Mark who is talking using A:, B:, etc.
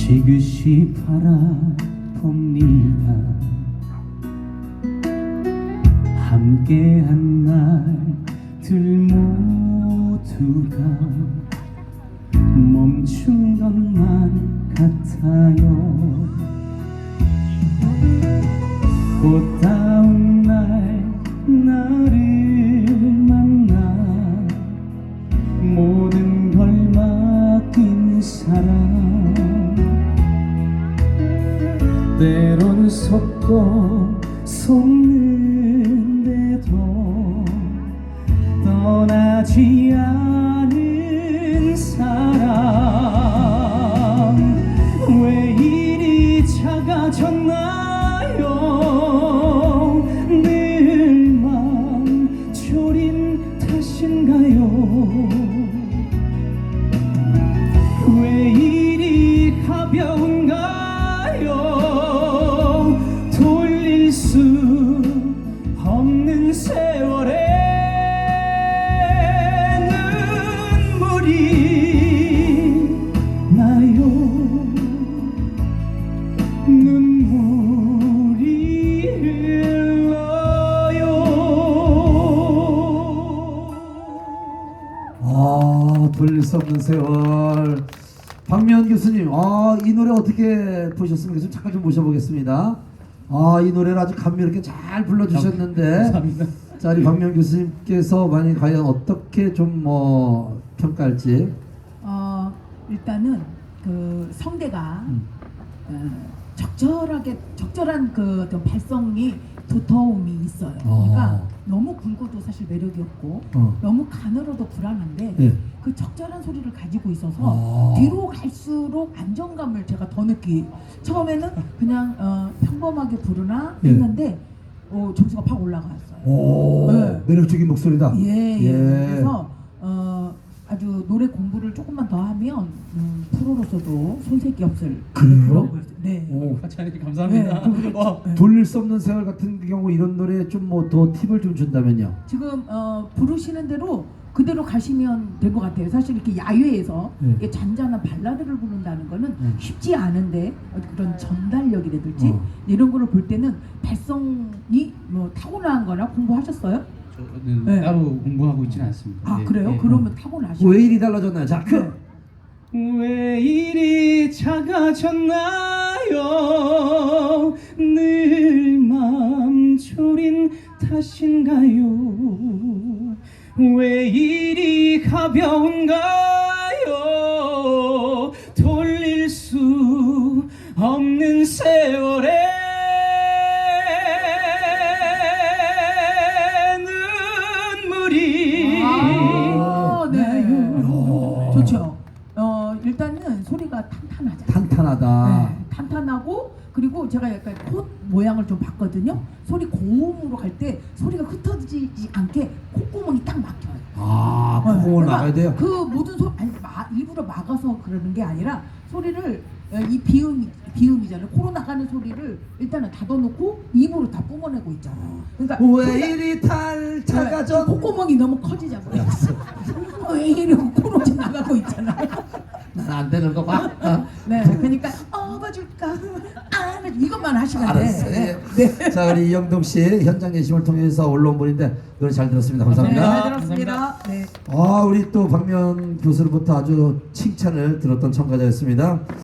A: 지그시 바라봅니다. 함께한 날들 모두가 멈춘 것만 같아요. 꽃다운 날 나를 만나 모든 걸 맡긴 사람, 때론 속고 속는데도 떠나지 않은 사람, 왜 이리 작아졌나요? 늘 맘 졸인 탓인가요? 왜 이리 가벼운가요? 돌릴 수 없는 세월에 눈물이 나요. 눈물이 흘러요.
B: 돌릴 수 없는 세월. 박미연 교수님, 이 노래 어떻게 보셨습니까? 좀 잠깐 좀 모셔보겠습니다. 이 노래를 아주 감미롭게 잘 불러주셨는데,
A: 감사합니다.
B: 자, 우리 박미연 교수님께서 만약 과연 어떻게 좀 평가할지.
C: 일단은 그 성대가 적절한 그 어떤 발성이 두터움이 있어요. 그러니까 너무 굵어도 사실 매력이 없고 너무 가늘어도 불안한데
B: 예.
C: 그 적절한 소리를 가지고 있어서 뒤로 갈수록 안정감을 제가 더 처음에는 그냥 평범하게 부르나 했는데 점수가 팍 올라갔어요. 네.
B: 매력적인 목소리다.
C: 예. 그래서 아주 노래 공부를 조금만 더 하면 프로로서도 손색이 없을
B: 그래요?
C: 네.
A: 같이 하니까 감사합니다.
B: 돌릴 수 없는 세월 같은 경우 이런 노래 좀 더 팁을 좀 준다면요.
C: 지금 부르시는 대로 그대로 가시면 될 것 같아요. 사실 이렇게 야외에서 이렇게 잔잔한 발라드를 부른다는 거는 쉽지 않은데 그런 전달력이라든지 이런 거를 볼 때는 발성이 뭐 타고난 거나 공부하셨어요?
A: 저는
C: 네.
A: 따로 공부하고 있지는 않습니다.
C: 그래요?
A: 네.
C: 그러면 타고나시죠.
B: 왜 일이 달라졌나요? 자,
A: 왜 이리 작아졌나요? 늘 맘 졸인 탓인가요? 왜 이리 가벼운가요? 돌릴 수 없는 세월에 눈물이
C: 네. 좋죠. 일단은 소리가 탄탄하잖아요.
B: 탄탄하다.
C: 네, 탄탄하고 그리고 제가 약간 콧 모양을 좀 봤거든요. 소리 고음으로 갈 때 소리가 흩어지지 않게 콧구멍이 딱 막혀요.
B: 콧구멍을 막아야 돼요?
C: 그 모든 일부러 막아서 그러는 게 아니라 소리를 이 비음이잖아요. 코로 나가는 소리를 일단은 닫아놓고 입으로 다 뿜어내고 있잖아요. 그러니까
B: 왜 이리 작아져?
C: 콧구멍이 너무 커지잖아요. 왜 이리 코로 나가고 있잖아요.
B: 난 안 되는 거 봐.
C: 네, 그러니까 업어줄까 이것만 하시면 돼.
B: 알았어요.
C: 네.
B: 자, 우리 이영동 씨 현장 예심을 통해서 올라온 분인데 노래 잘 들었습니다.
C: 네,
B: 감사합니다.
C: 잘 들었습니다. 네.
B: 우리 또 박면 교수로부터 아주 칭찬을 들었던 참가자였습니다.